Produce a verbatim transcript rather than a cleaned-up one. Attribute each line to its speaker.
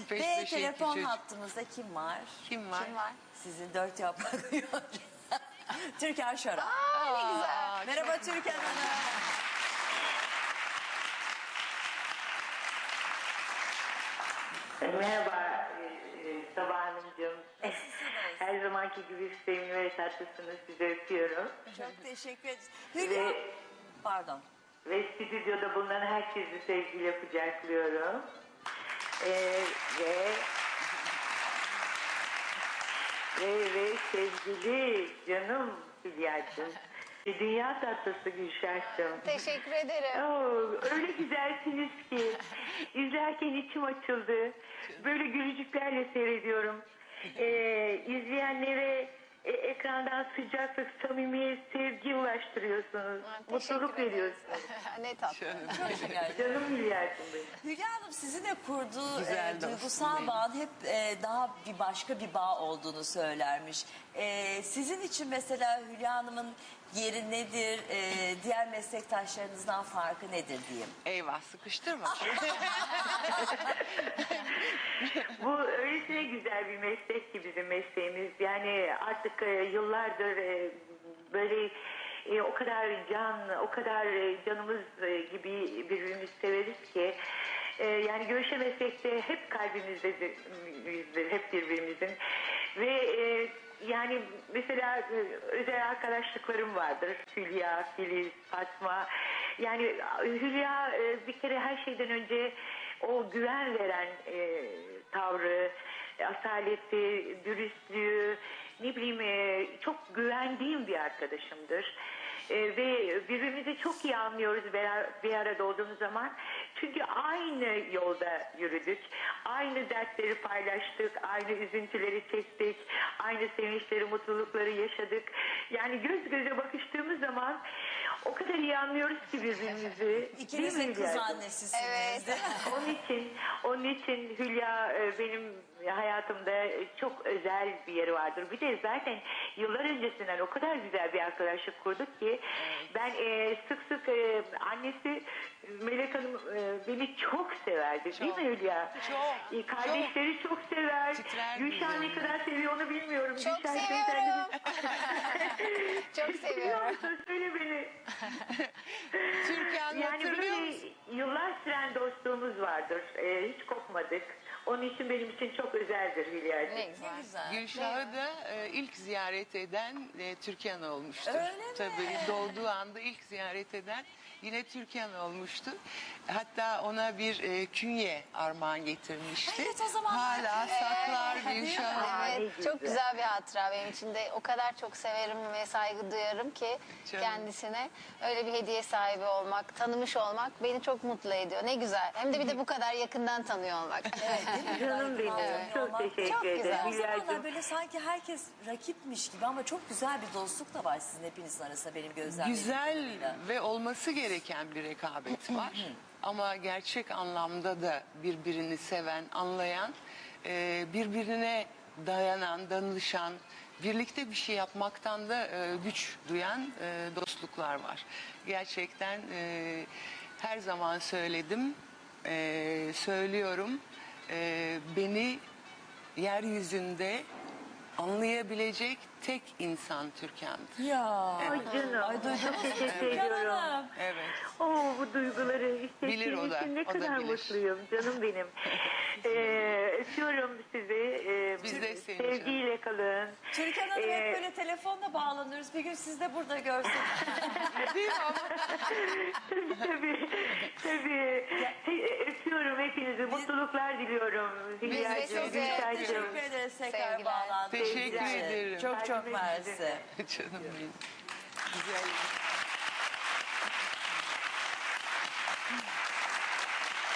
Speaker 1: Peş
Speaker 2: Ve
Speaker 1: peşe
Speaker 2: telefon
Speaker 1: iki çocuk.
Speaker 2: hattımızda kim var?
Speaker 1: Kim var?
Speaker 3: Kim var?
Speaker 2: Sizin dört yaprak yonca. Türkan Şoray.
Speaker 3: Aa, ne güzel.
Speaker 1: Aa,
Speaker 2: Merhaba Türkan Hanım.
Speaker 4: Merhaba e, Sabah Hanımcığım. Her zamanki gibi sevimli ve tatlısınız. Sizi öpüyorum.
Speaker 2: Çok teşekkür ederiz. Hülya.
Speaker 4: Ve,
Speaker 2: Pardon.
Speaker 4: ve stüdyoda bulunan herkesi sevgiyle kucaklıyorum. E, ve, ve, ve sevgili canım Hülya'cığım. Dünya tatlısı Gülşah'cığım.
Speaker 3: Teşekkür ederim.
Speaker 4: Oo, öyle güzelsiniz ki izlerken içim açıldı. Böyle gülücüklerle seyrediyorum. Ee, izleyenlere e, ekrandan sıcaklık, samimiyet, sevgi ulaştırıyorsunuz.
Speaker 3: Ha,
Speaker 4: Mutluluk
Speaker 3: teşekkür ederiz.
Speaker 4: veriyorsunuz.
Speaker 3: Ne tatlı.
Speaker 2: Çok şeker.
Speaker 4: Canım Hülya'cığım benim.
Speaker 2: Hülya Hanım sizinle kurduğu
Speaker 1: Güzel
Speaker 2: e,
Speaker 1: dostum
Speaker 2: duygusal
Speaker 1: benim.
Speaker 2: bağın hep e, daha bir başka bir bağ olduğunu söylermiş. E, sizin için mesela Hülya Hanım'ın yeri nedir, e, diğer meslektaşlarınızdan farkı nedir diyeyim.
Speaker 1: Eyvah sıkıştırma.
Speaker 4: Bu öylesine güzel bir meslek ki bizim mesleğimiz. Yani artık e, yıllardır e, böyle e, o kadar can, o kadar e, canımız e, gibi birbirimizi severiz ki e, yani görüşemesek de hep kalbimizdedir, hep birbirimizin. Ve e, yani mesela e, özel arkadaşlıklarım vardır. Hülya, Filiz, Fatma. Yani Hülya e, bir kere her şeyden önce o güven veren e, tavrı, asaleti, dürüstlüğü, ne bileyim e, çok güvendiğim bir arkadaşımdır. E, ve birbirimizi çok iyi anlıyoruz bir, bir arada olduğumuz zaman. Çünkü aynı yolda yürüdük, aynı dertleri paylaştık, aynı üzüntüleri çektik, aynı sevinçleri, mutlulukları yaşadık. Yani göz göze bakıştığımız zaman o kadar iyi anlıyoruz ki birbirimizi.
Speaker 2: İkiniz
Speaker 4: Değil
Speaker 2: de
Speaker 4: mi
Speaker 2: kız
Speaker 4: Hülya'cığım?
Speaker 2: annesisiniz.
Speaker 3: Evet.
Speaker 2: değil mi?
Speaker 4: Onun için, onun için Hülya e, benim hayatımda çok özel bir yeri vardır. Bir de zaten yıllar öncesinden o kadar güzel bir arkadaşlık kurduk ki ben e, sık sık e, annesi Melek Hanım e, beni çok severdi.
Speaker 1: Çok,
Speaker 4: değil mi Hülya?
Speaker 1: çok,
Speaker 4: E, kardeşleri çok, sever.
Speaker 1: Titrer
Speaker 4: Gülşah ne
Speaker 1: bizim.
Speaker 4: kadar seviyor onu bilmiyorum.
Speaker 3: Çok
Speaker 4: Gülşah,
Speaker 3: seviyorum.
Speaker 4: sen
Speaker 3: Çok
Speaker 4: de-
Speaker 3: seviyorum.
Speaker 4: Söyle beni.
Speaker 1: Türkan
Speaker 4: Yani
Speaker 1: hatırlıyor
Speaker 4: böyle
Speaker 1: musun?
Speaker 4: yıllar süren dostluğumuz vardır. Ee, hiç kopmadık. Onun için benim için çok özeldir Hülya'cığım.
Speaker 3: Ne güzel.
Speaker 2: Ne güzel.
Speaker 1: Gülşah'ı da e, ilk ziyaret eden e, Türkan olmuştur.
Speaker 2: Öyle mi?
Speaker 1: Tabii doğduğu anda ilk ziyaret eden yine Türkan olmuştu. Hatta ona bir e, künye armağan getirmişti.
Speaker 2: Evet, o zaman-
Speaker 1: Hala saklar Gülşah'ı.
Speaker 4: Aa, ne
Speaker 3: Evet,
Speaker 4: güzel.
Speaker 3: çok güzel bir hatıra benim için de. O kadar çok severim ve saygı duyarım ki
Speaker 1: Canım.
Speaker 3: kendisine. Öyle bir hediye sahibi olmak, tanımış olmak beni çok mutlu ediyor. Ne güzel. Hem de bir de bu kadar yakından tanıyor olmak.
Speaker 2: Evet, değil mi?
Speaker 4: Canım benim.
Speaker 2: Evet.
Speaker 4: Çok teşekkür
Speaker 3: Çok
Speaker 4: ederim
Speaker 3: güzel.
Speaker 2: O zamanlar
Speaker 4: Hülya'cığım.
Speaker 2: böyle sanki herkes rakipmiş gibi ama çok güzel bir dostluk da var sizin hepinizin arasında benim gözlemlediğim
Speaker 1: Güzel
Speaker 2: kadarıyla.
Speaker 1: ve olması gereken bir rekabet var. Ama gerçek anlamda da birbirini seven, anlayan, e, birbirine dayanan, danışan, birlikte bir şey yapmaktan da e, güç duyan e, dostluklar var. Gerçekten e, her zaman söyledim, e, söylüyorum. E, beni yeryüzünde anlayabilecek tek insan Türkan'dır.
Speaker 2: Ya.
Speaker 4: Ay canım.
Speaker 2: Ay duydum.
Speaker 4: Çok teşekkür
Speaker 2: Türkan
Speaker 4: ediyorum.
Speaker 2: Hanım.
Speaker 1: Evet.
Speaker 4: Oo, bu duyguları
Speaker 1: Bilir o
Speaker 4: hissettiğim
Speaker 1: da,
Speaker 4: için ne
Speaker 1: o da
Speaker 4: kadar
Speaker 1: bilir.
Speaker 4: mutluyum canım benim. ee, öpüyorum sizi. Ee,
Speaker 1: Biz de seni
Speaker 4: sevgiyle kalın.
Speaker 2: Türkan Hanım
Speaker 4: Ee,
Speaker 2: hep böyle telefonla bağlanıyoruz. Bir gün siz de burada görsek.
Speaker 1: Değil mi ama?
Speaker 4: tabii tabii. tabii. He- Öpüyorum hepinizi. Mutluluklar diliyorum. Hülya'cığım,
Speaker 3: size
Speaker 4: Gülşah'cığım.
Speaker 2: Teşekkür ederiz tekrar
Speaker 3: Sevgiler.
Speaker 2: bağlandığınız
Speaker 1: Teşekkür
Speaker 2: için.
Speaker 1: ederim.
Speaker 2: Çok çok
Speaker 4: Kalbime
Speaker 2: mersi.
Speaker 4: gidin.
Speaker 1: Canım benim. Güzel.